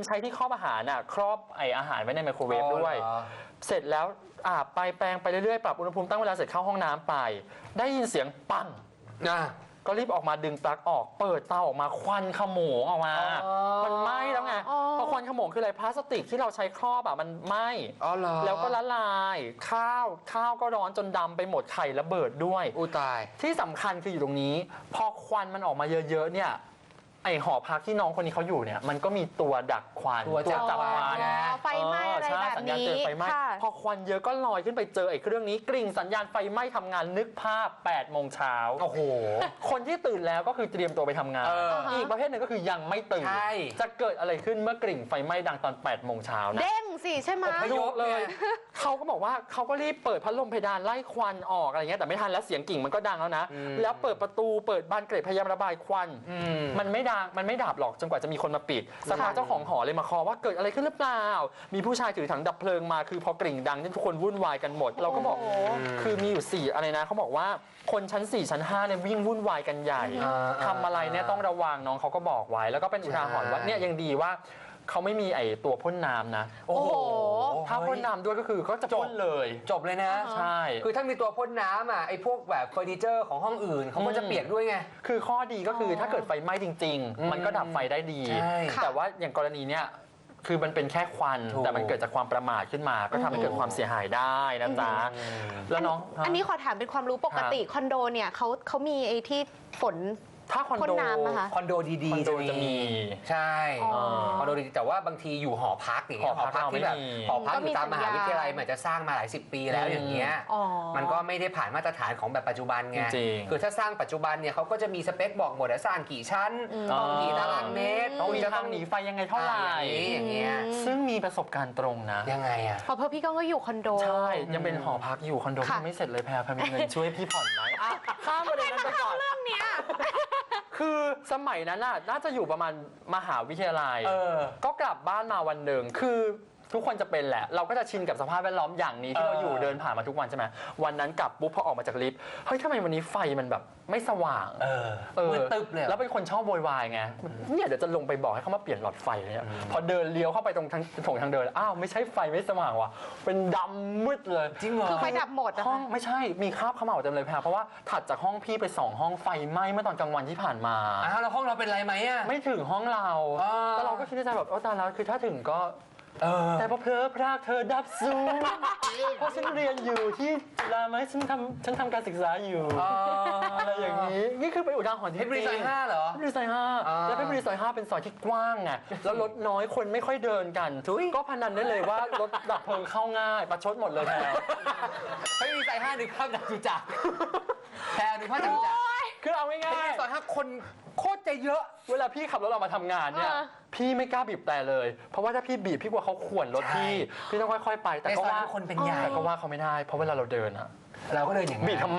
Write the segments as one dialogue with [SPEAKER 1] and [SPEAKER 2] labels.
[SPEAKER 1] ใช้ที่ครอบอาหารน่ะครอบไออาหารไว้ในไมโครเวฟด้วยเสร็จแล้วอาบไปแปรงไปเรื่อยๆปรับอุณหภูมิตั้งเวลาเสร็จเข้าห้องน้ำไปได้ยินเสียงปังก็รีบออกมาดึงปลั๊กออกเปิดเตาออกมาควันขโมงออกมามันไหม้แล้วไงเพราะควันขโมงคืออะไรพลาสติกที่เราใช้ครอบอ่ะมันไหม้แล้วก็ละลายข้าวก็ร้อนจนดำไปหมดไข่ระเบิดด้วย
[SPEAKER 2] อู้ตาย
[SPEAKER 1] ที่สำคัญคืออยู่ตรงนี้พอควันมันออกมาเยอะๆเนี่ยไอหอพักที่น้องคนนี้เขาอยู่เนี่ยมันก็มีตัวดักควัน
[SPEAKER 2] ตัวจับควัน
[SPEAKER 3] ไฟไหม้อะไรแบบนี้
[SPEAKER 1] พอควันเยอะก็ลอยขึ้นไปเจอไอ้เครื่องนี้กริ่งสัญญาณไฟไหม้ทำงานนึกภาพ8 โมงเช้า
[SPEAKER 2] โอ้โห
[SPEAKER 1] คนที่ตื่นแล้วก็คือเตรียมตัวไปทำงานอีกประเภทหนึ่งก็คือยังไม่ตื่นจะเกิดอะไรขึ้นเมื่อกริ่งไฟไหม้ดังตอน8 โมงเช้านะ
[SPEAKER 3] เด้งสิใช่ไหม
[SPEAKER 1] ยกเลยเขาก็บอกว่าเขาก็รีบเปิดพัดลมเพดานไล่ควันออกอะไรเงี้ยแต่ไม่ทันแล้วเสียงกิ่งมันก็ดังแล้วนะแล้วเปิดประตูเปิดบานเกล็ดพยายามระบายควันมันไม่ดังมันไม่ดับหรอกจนกว่าจะมีคนมาปิดสักพักเจ้าของหอเลยมาคอว่าเกิดอะไรขึ้นหรือเปล่ามีผู้ชายถือถังดับเพลิงมาคือพอกริ่งดังทุกคนวุ่นวายกันหมดเราก็บอกคือมีอยู่4อะไรนะเขาบอกว่าคนชั้น4ชั้น5เนี่ยวิ่งวุ่นวายกันใหญ่ทำอะไรเนี่ยต้องระวังน้องเขาก็บอกไว้แล้วก็เป็นอุทาหรณ์ว่าเนี่ยยังดีว่าเขาไม่มีไอตัวพ่นน้ำนะ
[SPEAKER 3] โอ้โห
[SPEAKER 1] ถ้าพ่นน้ำด้วยก็คือก็จะพ่นเลย
[SPEAKER 2] จบเลยนะ
[SPEAKER 1] ใช่
[SPEAKER 2] คือถ้ามีตัวพ่นน้ำอ่ะไอพวกแบบเฟอร์นิเจอร์ของห้องอื่นเขาก็จะเปียกด้วยไง
[SPEAKER 1] คือข้อดีก็คือถ้าเกิดไฟไหม้จริงๆมันก็ดับไฟได้ดีแต่ว่าอย่างกรณีเนี้ยคือมันเป็นแค่ควันแต่มันเกิดจากความประมาทขึ้นมาก็ทำให้เกิดความเสียหายได้นะจ๊ะแล้วน้อง
[SPEAKER 3] อันนี้ขอถามเป็นความรู้ปกติคอนโดเนี่ยเขามีไอ้ที่ฝน
[SPEAKER 1] ถ้าคอนโด
[SPEAKER 2] ดีๆ
[SPEAKER 1] จะมี
[SPEAKER 2] ใช่คอนโดดีแต่ว่าบางทีอยู่หอพักอย่างเงี้ยหอพักที่แบบหอพักอยู่ตามมหาวิทยาลัยมันจะสร้างมาหลาย10 ปีแล้วอย่างเงี้ยมันก็ไม่ได้ผ่านมาตรฐานของแบบปัจจุบันไงคือถ้าสร้างปัจจุบันเนี่ยเขาก็จะมีสเปคบอกหมดว่าสร้างกี่ชั้นต้องกี่ตารางเมตร
[SPEAKER 1] ต้องมีทางหนีไฟยังไงเท่าไหร่
[SPEAKER 2] อย่างเงี้ย
[SPEAKER 1] ซึ่งมีประสบการณ์ตรงนะ
[SPEAKER 2] ยังไงอ่ะ
[SPEAKER 3] เพราะพี่ก็อยู่คอนโด
[SPEAKER 1] ใช่ยังเป็นหอพักอยู่คอนโดยังไม่เสร็จเลยแพรมีเงินช่วยพี่ผ่อนไหมข้ามประเด็นนั้นไปก่อน
[SPEAKER 3] เรื่องเนี้ย
[SPEAKER 1] คือสมัยนั้นน่าจะอยู่ประมาณมหาวิทยาลัยก็กลับบ้านมาวันหนึ่งคือทุกคนจะเป็นแหละเราก็จะชินกับสภาพแวดล้อมอย่างนี้ที่เราอยู่เดินผ่านมาทุกวันใช่ไหมวันนั้นกลับปุ๊บพอออกมาจากลิฟต์เฮ้ยทำไมวันนี้ไฟมันแบบไม่สว่าง
[SPEAKER 2] มืดตึ๊บเลย
[SPEAKER 1] แล้วเป็นคนชอบโวยวายไงเนี่ยเดี๋ยวจะลงไปบอกให้เขามาเปลี่ยนหลอดไฟเนี่ยพอเดินเลี้ยวเข้าไปตรงทางเดินอ้าวไม่ใช่ไฟไม่สว่างว่ะเป็นดำมืดเลย
[SPEAKER 2] จริงเหรอ
[SPEAKER 3] คือไฟดับหมด
[SPEAKER 1] ห้องไม่ใช่มีคราบเขม่าเต็มเลยเพราะว่าถัดจากห้องพี่ไป2 ห้องไฟไหม้เมื่อตอนกลางวันที่ผ่านมา
[SPEAKER 2] แล้วห้องเราเป็นไรไหมอ่ะ
[SPEAKER 1] ไม่ถึงห้องเราแต่เราก็คิดในใจแบบตายแล้วคือถ้าถึงก็แต่พอเพลอพรากเธอดับสูงเพราะฉันเรียนอยู่ที่จุฬาไหมฉันทำการศึกษาอยู่อะไรอย่างนี้นี่คือเป็นอุทาหรณ์ที่
[SPEAKER 2] เพชรบุรีซอย5เหรอ
[SPEAKER 1] เพชรบุรีซอย5แล้วเพชรบุรีซอย5เป็นซอยที่กว้างไงแล้วรถน้อยคนไม่ค่อยเดินกันก็พนันได้เลยว่ารถดับเพลิงเข้าง่ายประชดหมดเลยแพร
[SPEAKER 2] เพชรบุรีซอย5นึกภาพจตุจักรแพรนึกภาพจตุจักร
[SPEAKER 1] คือเอาง่ายๆเพชรบุรี
[SPEAKER 2] ซอย5คนโคตรจะเยอะ
[SPEAKER 1] เวลาพี่ขับรถออกมาทำงานเนี่ยพี่ไม่กล้าบีบแต่เลยเพราะว่าถ้าพี่บีบพี่กลัวเขาข่วนรถพี่ต้องค่อยๆไปแต่ก็ว่า
[SPEAKER 2] คนเป็นใหญ่
[SPEAKER 1] แต่ก็ว่าเขาไม่ได้เพราะเวลาเราเดินอะ
[SPEAKER 2] เราก็เดินอย่างนั้น
[SPEAKER 1] บีบทำไม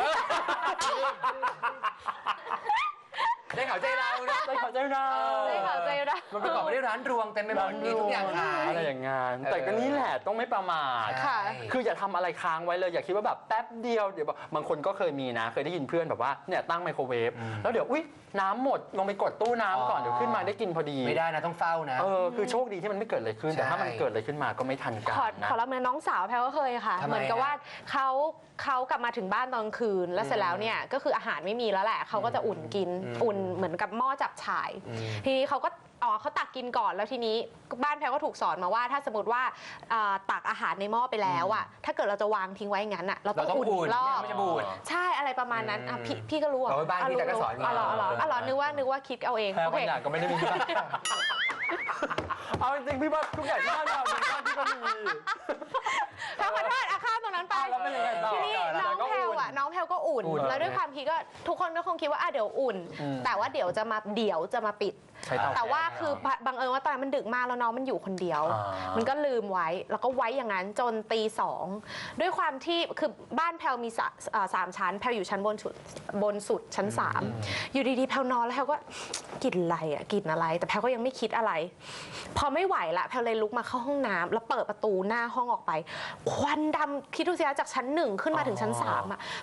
[SPEAKER 2] ได้ข่าวใจเรานะ
[SPEAKER 1] ได้ข่าวใจเรา
[SPEAKER 2] มันประกอบไปด้วยร้านรวงเต็มไปหมดมีทุกอย่างขาย
[SPEAKER 1] อะไรอย่างงานแต่ก็นี่แหละต้องไม่ประมาทคืออย่าทำอะไรค้างไว้เลยอย่าคิดว่าแบบแป๊บเดียวเดี๋ยวบางคนก็เคยมีนะเคยได้ยินเพื่อนแบบว่าเนี่ยตั้งไมโครเวฟแล้วเดี๋ยวอุ๊ยน้ำหมดลงไปกดตู้น้ำก่อนเดี๋ยวขึ้นมาได้กินพอดี
[SPEAKER 2] ไม่ได้นะต้องเฝ้านะ
[SPEAKER 1] คือโชคดีที่มันไม่เกิดอะไรขึ้นแต่ถ้ามันเกิดอะไรขึ้นมาก็ไม่ทันกัน
[SPEAKER 3] นะขอรับเนื้อน้องสาวแพรก็เคยค่ะเหมือนกับว่าเขากลับมาถึงบ้านตอนคืนแล้วเสร็จแล้วเนี่ยก็คืออาหารไม่มีแล้วแหละเขาก็จะอุ่นกินอุ่นเหมือนกับหม้อจับฉ่ายทีนี้เขาตักกินก่อนแล้วทีนี้บ้านแพรก็ถูกสอนมาว่าถ้าสมมติว่าตักอาหารในหม้อไปแล้วอ่ะถ้าเกิดเราจะวางทิ้งไว้งั้นอ่ะเราต้องอุ่นรอบใช่อะไรประมาณนั้นพี่ก็รู้
[SPEAKER 2] อ่ะบ้านพี่แต่ก็สอนมา
[SPEAKER 3] นึกว่าคิดเอาเอง
[SPEAKER 1] โอเคก็ไม่ได้มีเอาจริงพี่ว่าทุกอย่างที่บ้านเราเป็นบ้านที่ก็มี
[SPEAKER 3] ถ้าขอโทษข้ามตรงนั้นไปทีนี้น้องแพลก็อุ่นแล้วด้วยความคิดก็ทุกคนก็คงคิดว่าเดี๋ยวอุ่นแต่ว่าเดี๋ยวจะมาปิดแต่ว่าคือบังเอิญว่าตอนนั้นมันดึกมากแล้วน้องมันอยู่คนเดียวมันก็ลืมไว้แล้วก็ไว้อย่างนั้นจนตี 2ด้วยความที่คือบ้านแพลมี3 ชั้นแพลอยู่ชั้นบนสุดชั้น3อยู่ดีๆแพลนอนแล้วแพลก็กินอะไรแต่แพลก็ยังไม่คิดอะไรพอไม่ไหวละแพลเลยลุกมาเข้าห้องน้ำแล้วเปิดประตูหน้าห้องออกไปควันดำคิดดูสิคะจากชั้น1ขึ้นมาถึงชั้น3อ่ะ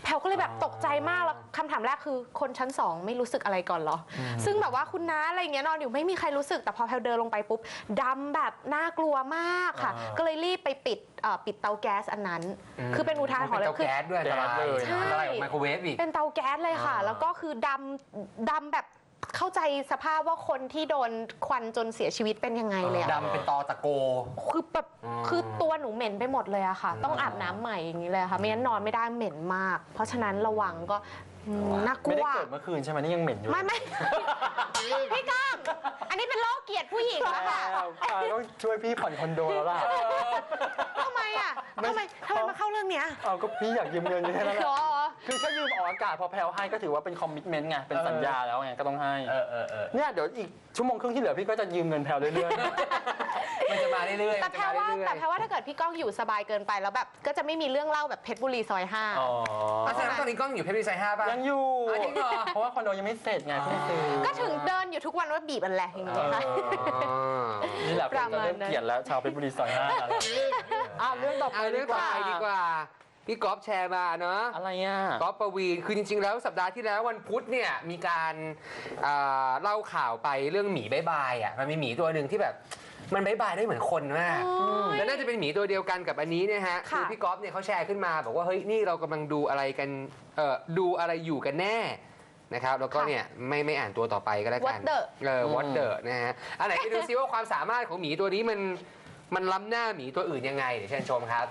[SPEAKER 3] แพลก็เลยแบบตกใจมากแล้วคำถามแรกคือคนชั้น2ไม่รู้สึกอะไรก่อนเหรอซึ่งแบบว่าคุณน้าอะไรเงี้ยนอนอยู่ไม่มีใครรู้สึกแต่พอแพลเดินลงไปปุ๊บดำแบบน่ากลัวมากค่ะก็เลยรีบไปปิดเตาแก๊สอันนั้นคือเป็นอุทาหรณ์เลย
[SPEAKER 2] คือเตาแก๊สด้วยอันตรายเลยอันตรายกับไมโครเวฟอีก
[SPEAKER 3] เป็นเตาแก๊สเลยค่ะแล้วก็คือดำแบบเข้าใจสภาพว่าคนที่โดนควันจนเสียชีวิตเป็นยังไงเลย
[SPEAKER 2] ดำเป็นตอตะโก
[SPEAKER 3] คือแบบคือตัวหนูเหม็นไปหมดเลยอะค่ะต้องอาบน้ำใหม่อย่างนี้เลยค่ะไม่งั้นนอนไม่ได้เหม็นมากเพราะฉะนั้นระวังก็น่ากลัว
[SPEAKER 1] ไม่ได้เกิดเมื่อคืนใช่ไหมนี่ยังเหม็นอยู่
[SPEAKER 3] ไม่พี่ก้องอันนี้เป็นโรคเกลียดผู้หญิงแล้วค่ะ
[SPEAKER 1] ต้องช่วยพี่ผ่อนคอนโดแล้วล่ะ
[SPEAKER 3] ทำไมมาเข้าเรื่องเนี้ย
[SPEAKER 1] ก็พี่อยากยืมเงินแค่นั้นแหละคือถ้ายืมออกอากาศพอแพลวให้ก็ถือว่าเป็นคอมมิชเมนต์ไงเป็นสัญญาแล้วไงก็ต้องให้เนี่ยเดี๋ยวอีกชั่วโมงครึ่งที่เหลือพี่ก็จะยืมเงินแพลวเรื่อย
[SPEAKER 2] ๆมันจะมาเรื่อยๆ
[SPEAKER 3] แต่แพลว่าถ้าเกิดพี่ก้องอยู่สบายเกินไปแล้วแบบก็จะไม่มีเรื่องเล่าแบบเพชรบุรีซอย5
[SPEAKER 2] แสดงว่าตอนนี้ก้องอยู่เพชรบุรีซอย5ป่ะ
[SPEAKER 1] ยังอยู่จริงเหรอเพราะว่าคอนโดยังไม่เสร็จไงเพิ่งซื้อ
[SPEAKER 3] ก็ถึงเดินอยู่ทุกวันว่าบีบมันแหละอย่างเงี้ยค่ะ
[SPEAKER 1] นี่แหละผมจะเริ่มเกลียดแล้วชาวเพชรบุรีซอย5แล้วเรื่องต่อไป
[SPEAKER 2] ดีกว่าพี่ก๊อฟแชร์มาเนาะ
[SPEAKER 1] อะไรอ่ะ
[SPEAKER 2] ก๊อฟปวีณคือจริงๆแล้วสัปดาห์ที่แล้ววันพุธเนี่ยมีการเล่าข่าวไปเรื่องหมีบ๊ายบายอ่ะมันมีหมีตัวหนึ่งที่แบบมันบ๊ายบายได้เหมือนคนมากแล้วน่าจะเป็นหมีตัวเดียวกันกับอันนี้เนี่ยฮะคือพี่ก๊อฟเนี่ยเขาแชร์ขึ้นมาบอกว่าเฮ้ยนี่เรากำลังดูอะไรกันดูอะไรอยู่กันแน่นะครับแล้วก็เนี่ยไม่อ่านตัวต่อไปก็แล้วกันWhat the นะฮะอันไหนไปดูซิว่าความสามารถของหมีตัวนี้มันล้ำหน้าหมีตัวอื่นยังไงเดี๋ยวเชิญชมครับ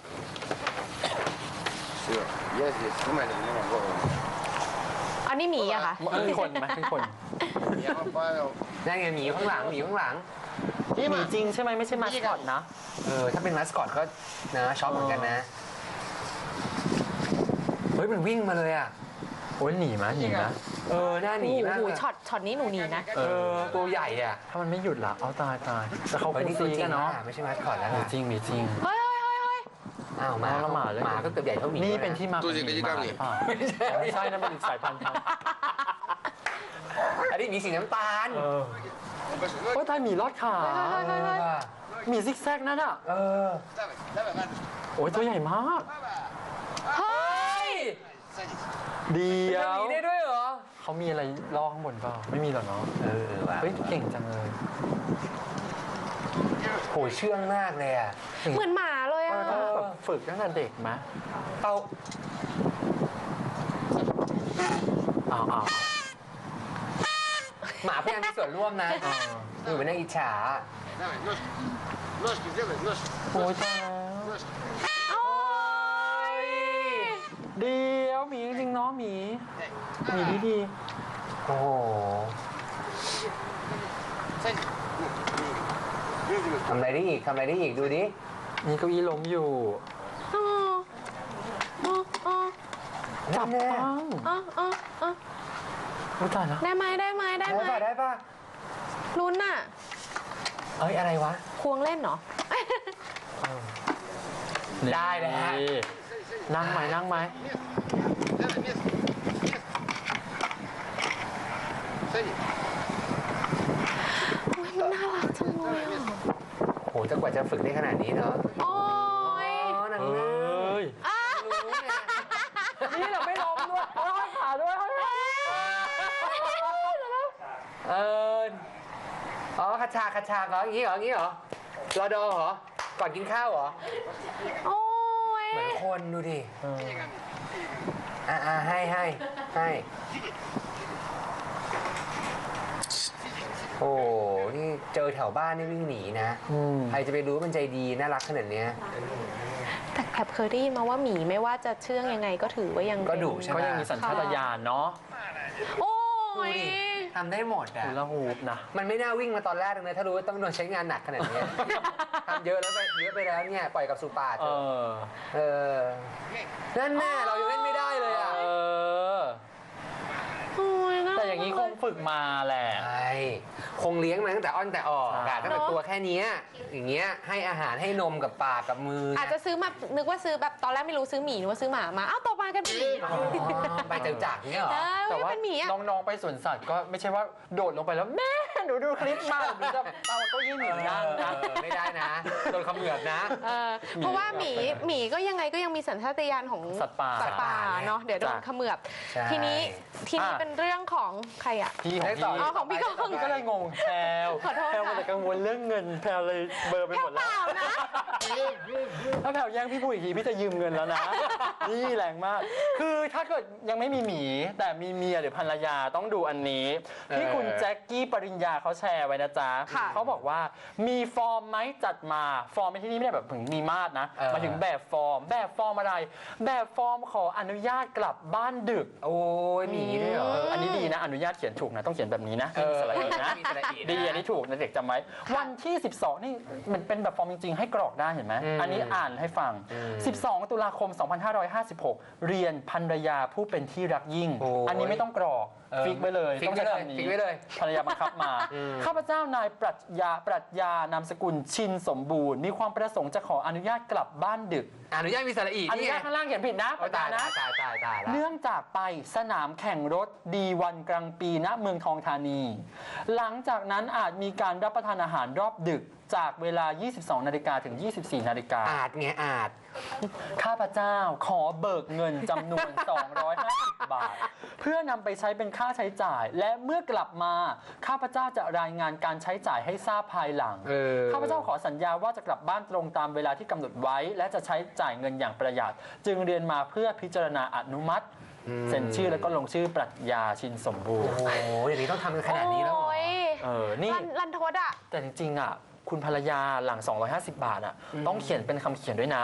[SPEAKER 3] อันนี้หมีอะค่ะ
[SPEAKER 1] เป็นคนไหมเป็นคน
[SPEAKER 2] นั่นไงหมีข้างหลัง
[SPEAKER 1] นี่หมีจริงใช่ไหมไม่ใช่มาสคอตนะ
[SPEAKER 2] ถ้าเป็นมาสคอตก็นะช็อปเหมือนกันนะเฮ้ยมันวิ่งมาเลยอะ
[SPEAKER 1] โอ้ยหนีมั้ยหนีนะ
[SPEAKER 2] หน้าหนีมาก
[SPEAKER 3] ช็อตนี้หนูหนีนะ
[SPEAKER 2] ตัวใหญ่อะ
[SPEAKER 1] ถ้ามันไม่หยุดละเอาตายแต่เขาเป็นซีกันเนาะ
[SPEAKER 2] ไม่ใช่มาสคอตแล้ว
[SPEAKER 1] จริงมีจริง
[SPEAKER 2] อ้าวหมาก็เกือบใหญ่เท่าหมี
[SPEAKER 1] นี่เป็นที่มาของหมีไม่ใช่นั่นเป็นอีกสายพันธุ์
[SPEAKER 2] อันนี้มีสีน้ำตาล
[SPEAKER 1] โอ้ยตายหมีรอดขาหมีซิกแซกนั่นอ่ะโอ้ยตัวใหญ่มาก
[SPEAKER 3] เฮ้ย
[SPEAKER 1] เดี๋ยว
[SPEAKER 2] มีได้ด้วยเหรอ
[SPEAKER 1] เขามีอะไรล่อข้างบนเปล่าไม่มีหรอเนาะเฮ้ยเก่งจังเลย
[SPEAKER 2] โหเชื่องมากเลยอ่ะ
[SPEAKER 3] เหมือนหมาเลยอ่ะ
[SPEAKER 1] แบบฝึกตั้งแต่เด็กไหม
[SPEAKER 2] หมาพยายามมีส่วนร่วมนะอยู่เป็นนักอิจฉา
[SPEAKER 1] โอ้ยตายเดี๋ยวหมีจริงๆเนาะหมีดี
[SPEAKER 2] โอ้โหทำอะไรได้อีกดูดิ
[SPEAKER 1] มีเก้าอี้ล้มอยู่จับปังรู้จักนะ
[SPEAKER 3] ได้ไหม
[SPEAKER 2] ป่ะ
[SPEAKER 3] ลุ้นน่ะ
[SPEAKER 2] อะไรวะ
[SPEAKER 3] ควงเล่นเหรอ
[SPEAKER 2] ได้เลยฮะ
[SPEAKER 1] นั่งไหม
[SPEAKER 3] มันน่ารักจังเลย
[SPEAKER 2] โหจะกว่าจะฝึกได้ขนาดนี้เนาะ
[SPEAKER 3] โอ้ย
[SPEAKER 2] นั่ง
[SPEAKER 1] นี่เราไม่ล้มด้วยเราให้ขาด้วย
[SPEAKER 2] คัดฉากเหรออย่างนี้เหรอรอดอเหรอก่อนกินข้าวเหรอ
[SPEAKER 3] โอ้ย
[SPEAKER 2] เหมือนคนดูดิให้โอ้นี่เจอแถวบ้านนี่วิ่งหนีนะใครจะไปรู้มันใจดีน่ารักขนาดนี้
[SPEAKER 3] แต่แอบเคยได้ยินมาว่าหมีไม่ว่าจะเชื่องยังไงก็ถือว่ายัง
[SPEAKER 2] ก็ดุใช่ไหม
[SPEAKER 1] ก็ยังมีสัญชาตญาณเนาะ
[SPEAKER 3] โอ้ย
[SPEAKER 2] ทำได้หมดอ่ะ
[SPEAKER 1] ละหูบนะ
[SPEAKER 2] มันไม่น่าวิ่งมาตอนแรกเลยถ้ารู้ว่าต้องโดนใช้งานหนักขนาดนี้ทำเยอะไปแล้วเนี่ยปล่อยกับสุปานั่นแน่เรายังเล่นไม่ได้เลยอ่ะ
[SPEAKER 1] แต่อย่างนี้คงฝึกมาแหละ
[SPEAKER 2] คงเลี้ยงมาตั้งแต่อ้อนแต่ออกตั้งแต่ตัวแค่นี้อย่างเงี้ยให้อาหารให้นมกับปากกับมือ
[SPEAKER 3] อาจจะซื้อมานึกว่าซื้อแบบตอนแรกไม่รู้ซื้อหมีนึกว่าซื้อหมามาอ้าวโตมากันเป็นหมี
[SPEAKER 2] ไปจากเงี้ยเหรอ
[SPEAKER 1] แต่ว่าน้องๆไปสวนสัตว์ก็ไม่ใช่ว่าโดดลงไปแล้วแม่หนูดูคลิปมาหนูจะเอาเก้าอี้หมีนั่งนะ
[SPEAKER 2] ไม่ได้นะโดนเขมือบนะ
[SPEAKER 3] เพราะว่าหมีก็ยังไงก็ยังมีสัญชาตญาณของ
[SPEAKER 1] สัตว์ป่า
[SPEAKER 3] เนาะเดี๋ยวโดนเขมือบ
[SPEAKER 2] ใช่
[SPEAKER 3] ทีนี้เป็นเรื่องของใครอ่ะ
[SPEAKER 1] พี่ของ
[SPEAKER 2] ต่อ
[SPEAKER 1] พี่
[SPEAKER 3] อ๋อของพี่ก้อง
[SPEAKER 1] ก็เลยงงแพลว
[SPEAKER 3] ขอโทษ
[SPEAKER 1] แพลว
[SPEAKER 3] ค่ะ
[SPEAKER 1] มันจะกังวลเรื่องเงินแพลวเลยเบอร์ไปหมด
[SPEAKER 3] เป
[SPEAKER 1] แล้ว
[SPEAKER 3] ล่านะ
[SPEAKER 1] ถ้าแพลวแย่งพี่พูดอีกทีพี่จะยืมเงินแล้วนะ นี่แรงมาก คือถ้าเกิดยังไม่มีหมีแต่มีเมียหรือภรรยาต้องดูอันนี้ที่คุณแจ็คกี้ปริญญาเขาแชร์ไว้นะจ๊ะเขาบอกว่ามีฟอร์มไหมจัดมาฟอร์มในที่นี้ไม่ได้แบบถึงมีมาดนะมาถึงแบบฟอร์มอะไรแบบฟอร์มขออนุญาตกลับบ้านดึก
[SPEAKER 2] โอ้ยมีด้วยเหรอ
[SPEAKER 1] อันนี้ดีนะอนุญาตเขียนถูกนะต้องเขียนแบบนี้นะมีสระอีนะ
[SPEAKER 2] มีสระอีนะ
[SPEAKER 1] ดีอันนี้ถูกนะเด็กจำไว้วันที่ 12 นี่มันเป็นแบบฟอร์มจริงๆ ให้กรอกได้เห็นไหมอันนี้อ่านให้ฟัง 12 ตุลาคม 2556 เรียนภรรยาผู้เป็นที่รักยิ่ง อันนี้ไม่ต้องกรอกฟิกไว้เลย
[SPEAKER 2] ฟิก
[SPEAKER 1] ต้อง
[SPEAKER 2] ไว้
[SPEAKER 1] ใช้
[SPEAKER 2] เลย
[SPEAKER 1] คำนี้
[SPEAKER 2] ฟิกไว้เลย
[SPEAKER 1] ภรรยาบังคับมาข้าพเจ้านายปรัชญานามสกุลชินสมบูรณ์มีความประสงค์จะขออนุญาตกลับบ้านดึก
[SPEAKER 2] อนุญาตมีสระอี
[SPEAKER 1] อนุญาตข้างล่างเขียนผิดนะ
[SPEAKER 2] โอ้ตาย
[SPEAKER 1] นะ
[SPEAKER 2] ตายแล้ว
[SPEAKER 1] เนื่องจากไปสนามแข่งรถดีวันกลางปีณเมืองทองธานี หลังจากนั้นอาจมีการรับประทานอาหารรอบดึกจากเวลา 22 นาฬิกาถึง 24 นาฬิกา
[SPEAKER 2] อาจไงอาจ
[SPEAKER 1] ข้าพเจ้าขอเบิกเงินจำนวน 250 บาท เพื่อนำไปใช้เป็นค่าใช้จ่าย และเมื่อกลับมาข้าพเจ้าจะรายงานการใช้จ่ายให้ทราบภายหลัง ข้าพเจ้าขอสัญญาว่าจะกลับบ้านตรงตามเวลาที่กำหนดไว้ และจะใช้จ่ายเงินอย่างประหยัด จึงเรียนมาเพื่อพิจารณาอนุมัติเซ็นชื่อแล้วก็ลงชื่อปรัชญาชินสมบูรณ์
[SPEAKER 2] โอ้โหอย่างนี้ต้องทำกันขนาดนี้แล้วเหรอ
[SPEAKER 3] โอ้ย
[SPEAKER 1] นี่
[SPEAKER 3] รันทดอ่ะ
[SPEAKER 1] แต่จริงๆอ่ะคุณภรรยาหลัง 250 บาทอ่ะต้องเขียนเป็นคำเขียนด้วยนะ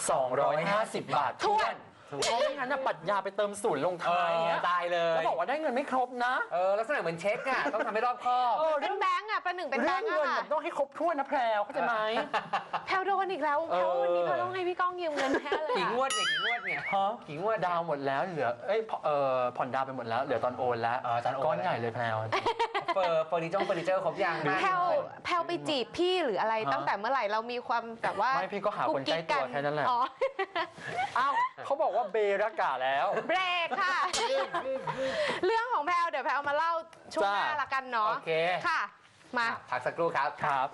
[SPEAKER 1] 250 บาท
[SPEAKER 3] ถ้วน
[SPEAKER 1] เพราะไม่งั้นน่ะปรัชญาไปเติมศูนย์ลงท้ายเนี้ย
[SPEAKER 2] ตายเลย
[SPEAKER 1] แล้วบอกว่าได้เงินไม่ครบนะ
[SPEAKER 2] ลักษณะเหมือนเช็คอะต้องทำให้รอบคอบ
[SPEAKER 3] เป็นแบงก์อ่ะประหนึ่งเป็นแบ
[SPEAKER 1] เรื่อง ง
[SPEAKER 3] ก์
[SPEAKER 1] เงิน
[SPEAKER 3] อ่ะ
[SPEAKER 1] แบบต้องให้ครบถ้วนนะแพรวเข้าใจไหม
[SPEAKER 3] แพลวโดนอีกแล้วแพลววันนี้แพลวต้องให้พี่ก้องยืมเงินแพ้เลย
[SPEAKER 2] กี่
[SPEAKER 3] อะ
[SPEAKER 2] งวดเนี่ย
[SPEAKER 1] ฮะ
[SPEAKER 2] กี่งวด
[SPEAKER 1] ดาวหมดแล้วเหลือผ่อนดาวไปหมดแล้วเหลือตอนโอนแล้ว
[SPEAKER 2] ตอนโอน
[SPEAKER 1] ก้อนใหญ่เลยแพรว
[SPEAKER 2] เฟอร์นิเจอร์ครบยัง
[SPEAKER 3] แพลวไปจีบพี่หรืออะไร
[SPEAKER 1] ฮะ
[SPEAKER 3] ตั้งแต่เมื่อไหร่เรามีความแบบว่า
[SPEAKER 1] ไม่พี่ก็หาคนใกล้ตัวแค่นั้นแหละ
[SPEAKER 3] อ๋อ
[SPEAKER 1] อ้าวเขาบอกว่าเบรากาแล้ว
[SPEAKER 3] เบรกค่ะ เรื่องของแพลวเดี๋ยวแพลวมาเล่าช่วงหน้า
[SPEAKER 1] จ้า
[SPEAKER 3] ละกันเนาะ
[SPEAKER 2] โอเค
[SPEAKER 3] ค่ะ มา
[SPEAKER 2] พักสักครู่ครับ
[SPEAKER 1] ครับ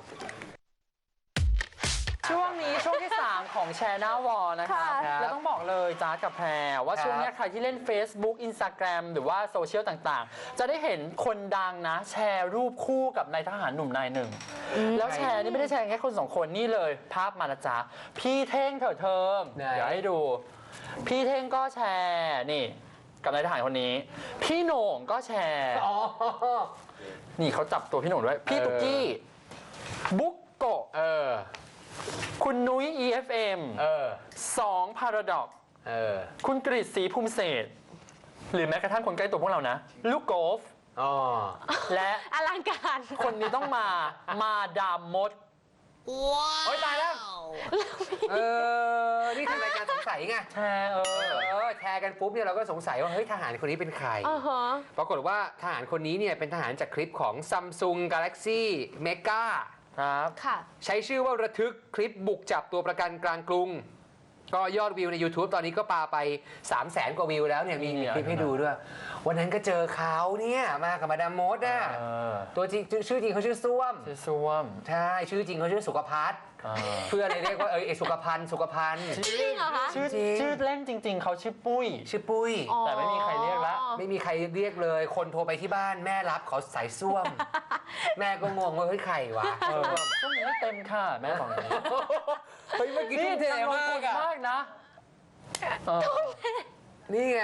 [SPEAKER 1] ช่วงนี้ช่วงที่ 3 ของแชร์หน้าวอลนะครับ
[SPEAKER 3] ค่ะ
[SPEAKER 1] แล้วต้องบอกเลยจ้ากับแพรว่า
[SPEAKER 2] ครับ
[SPEAKER 1] ช่วงนี้ใครที่เล่น Facebook Instagram หรือว่าโซเชียลต่างๆ จะได้เห็นคนดังนะ แชร์รูปคู่กับนายทหารหนุ่มนายหนึ่ง แล้วแชร์นี่ไม่ได้แชร์แค่คนสองคนนี่เลย ภาพมานะจ๊ะพี่เท่งเถิดเทิม
[SPEAKER 2] ไหน
[SPEAKER 1] เดี๋ยวให้ดู พี่เท่งก็แชร์นี่กับนายทหารคนนี้ พี่โหน่งก็แชร์
[SPEAKER 2] อ๋อ
[SPEAKER 1] นี่เขาจับตัวพี่โหน่งด้วย พี่ตุ๊กกี้บุ๊กโกะ คุณนุ้ย EFM 2 Paradox คุณกฤษศรีภูมิเศรษฐ์หรือแม้กระทั่งคนใกล้ตัวพวกเรานะ ลูกโกฟและ
[SPEAKER 3] อลังการ
[SPEAKER 1] คนนี้ต้องมาดามมด
[SPEAKER 2] โอ๊ยตายแล้ว นี่ทำรายการสงสัยไง
[SPEAKER 1] แชร์
[SPEAKER 2] แชร์กันปุ๊บเนี่ยเราก็สงสัยว่าเฮ้ยทหารคนนี้เป็นใคร ปรากฏว่าทหารคนนี้เนี่ยเป็นทหารจากคลิปของ Samsung Galaxy Mega
[SPEAKER 1] ครับ
[SPEAKER 3] ค่ะ
[SPEAKER 2] ใช้ชื่อว่าระทึกคลิปบุกจับตัวประกันกลางกรุง ก็ยอดวิวใน YouTube ตอนนี้ก็ปาไป 300,000 กว่าวิวแล้วเนี่ยมีคลิปให้ดูด้วย วันนั้นก็เจอเขาเนี่ยมากับมาดามมดอ่ะตัวจริงชื่อจริงเขาชื่อส้วม
[SPEAKER 1] ชื่อส้วม
[SPEAKER 2] ใช่ชื่อจริงเขาชื่อสุขพัฒน์เพื่อนเลยเรียกว่าสุขพันธ์สุขพันธ์
[SPEAKER 3] จริงเหรอคะ
[SPEAKER 1] ชื่อเล่นจริง ๆ เขาชื่อปุ้ย
[SPEAKER 2] ชื่อปุ้ย
[SPEAKER 1] แต่ไม่มีใครเรียกละ
[SPEAKER 2] ไม่มีใครเรียกเลย คนโทรไปที่บ้านแม่รับเขาใส่ส้วม แม่ก็งงว่าเฮ้ยใครวะ
[SPEAKER 1] ช่วงนี้ไม่เต็มค่ะแม่บอกอย่างนี้
[SPEAKER 2] เฮ้ยเมื่อกี้
[SPEAKER 1] นี่
[SPEAKER 2] ทุ่มเท
[SPEAKER 1] ทำลง
[SPEAKER 2] มาก
[SPEAKER 1] ทุน
[SPEAKER 2] อะ
[SPEAKER 1] มากนะ
[SPEAKER 2] นี่ไง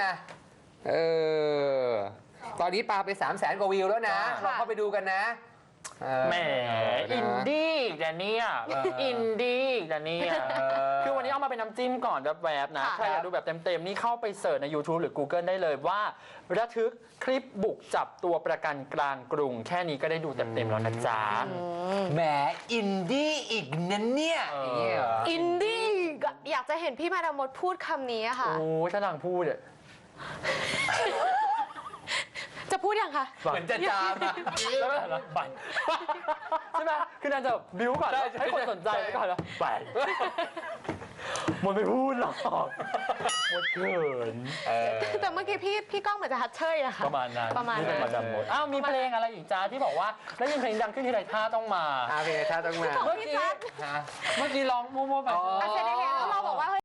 [SPEAKER 2] ตอนนี้ปาไป 300,000 กว่าวิวแล้วนะลองเข้าไปดูกันนะ
[SPEAKER 1] แหมอินดี้อีกแต่เนี่ยอินดี้อีกแต่เนี่ยคือวันนี้เอามาเป็นน้ำจิ้มก่อนแวบๆนะใครอยากดูแบบเต็มๆนี่เข้าไปเสิร์ชใน YouTube หรือ Google ได้เลยว่าระทึกคลิปบุกจับตัวประกันกลางกรุง แค่นี้ก็ได้ดูเต็มๆแล้วนะจ๊ะ
[SPEAKER 2] แหมอินดี้อีกนั่นเนี่ย
[SPEAKER 3] อินดี้อยากจะเห็นพี่มาดามดพูดคำนี้อะค่ะ
[SPEAKER 1] โอ้ถ้านางพูดเนี่ย
[SPEAKER 3] จะพูดยังคะ
[SPEAKER 2] เหมือนจะจามอะ
[SPEAKER 1] แล้วก็หันมาไปใช่ไหมคือนางจะบิ้วก่อนให้คนสนใจแล้วก็หันมาไปมดไม่พูดหรอกมดเขิน
[SPEAKER 3] แต่เมื่อกี้พี่ก้องเหมือนจะฮัตเชยอะค่ะ
[SPEAKER 1] ประมาณนั้น
[SPEAKER 3] ประมาณ
[SPEAKER 1] นี่เป็นประจำหมดอ้าวมีเพลงอะไรอีกจ้าที่บอกว่าแล้วยังเพลงดังขึ้นที่ไรท่าต้องมา
[SPEAKER 2] เพลงท่าต้องมา
[SPEAKER 3] ของพี่จัด
[SPEAKER 1] เมื่อกี้ร้องมั่วๆไป
[SPEAKER 3] อาเซเดเฮแล้วเราบอกว่า